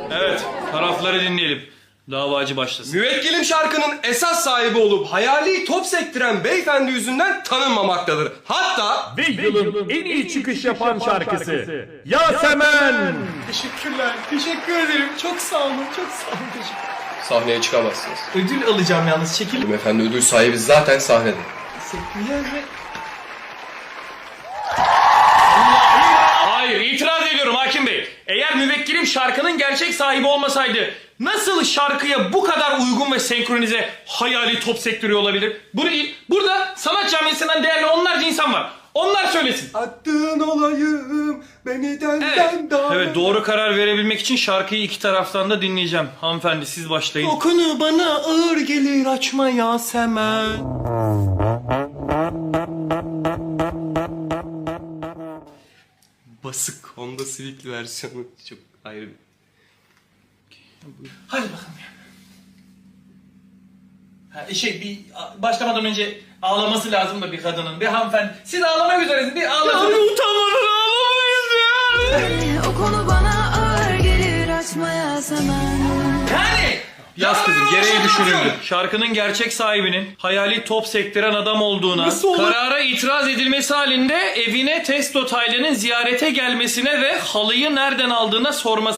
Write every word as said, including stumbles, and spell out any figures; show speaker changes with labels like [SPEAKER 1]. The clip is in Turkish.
[SPEAKER 1] Evet, tarafları dinleyelim. Davacı başlasın.
[SPEAKER 2] Müvekkilim şarkının esas sahibi olup hayali top sektiren beyefendi yüzünden tanınmamaktadır. Hatta...
[SPEAKER 3] Ve yılın en iyi çıkış yapan şarkısı Yasemen.
[SPEAKER 4] Teşekkürler. Teşekkür ederim. Çok sağ olun. Çok sağ olun. Teşekkür
[SPEAKER 2] Sahneye çıkamazsınız.
[SPEAKER 4] Ödül alacağım yalnız. Çekil.
[SPEAKER 2] Efendi ödül sahibi zaten sahnede.
[SPEAKER 4] Teşekkürler ve...
[SPEAKER 1] Hayır, itiraz ediyorum hakim bey. Eğer müvekkilim şarkının gerçek sahibi olmasaydı nasıl şarkıya bu kadar uygun ve senkronize hayali top sektörü olabilir? Bunu, burada sanat camiasından değerli onlarca insan var. Onlar söylesin.
[SPEAKER 2] Attığın olayım beni denden
[SPEAKER 1] Evet.
[SPEAKER 2] daha...
[SPEAKER 1] Evet, doğru karar verebilmek için şarkıyı iki taraftan da dinleyeceğim. Hanımefendi siz başlayın.
[SPEAKER 4] O konu bana ağır gelir, açma Yasemen.
[SPEAKER 2] Basık Honda Civic'li versiyonu çok ayrı bir...
[SPEAKER 4] Hadi bakalım ya. Ha, şey bir başlamadan önce ağlaması lazım da bir kadının. Bir hanımefendi. Siz ağlamak üzeresiniz. Bir ağlasın.
[SPEAKER 1] Yani utanmadan ağlamayız ya.
[SPEAKER 5] O konu bana ağır gelir, açma Yasemen.
[SPEAKER 4] Yani.
[SPEAKER 1] Yaz kızım, gereği düşünüldü.
[SPEAKER 4] düşünüldü.
[SPEAKER 1] Şarkının gerçek sahibinin hayali top sektiren adam olduğuna,
[SPEAKER 4] Nasıl olur?
[SPEAKER 1] karara itiraz edilmesi halinde evine Testo Taylan'ın ziyarete gelmesine ve halıyı nereden aldığına sorması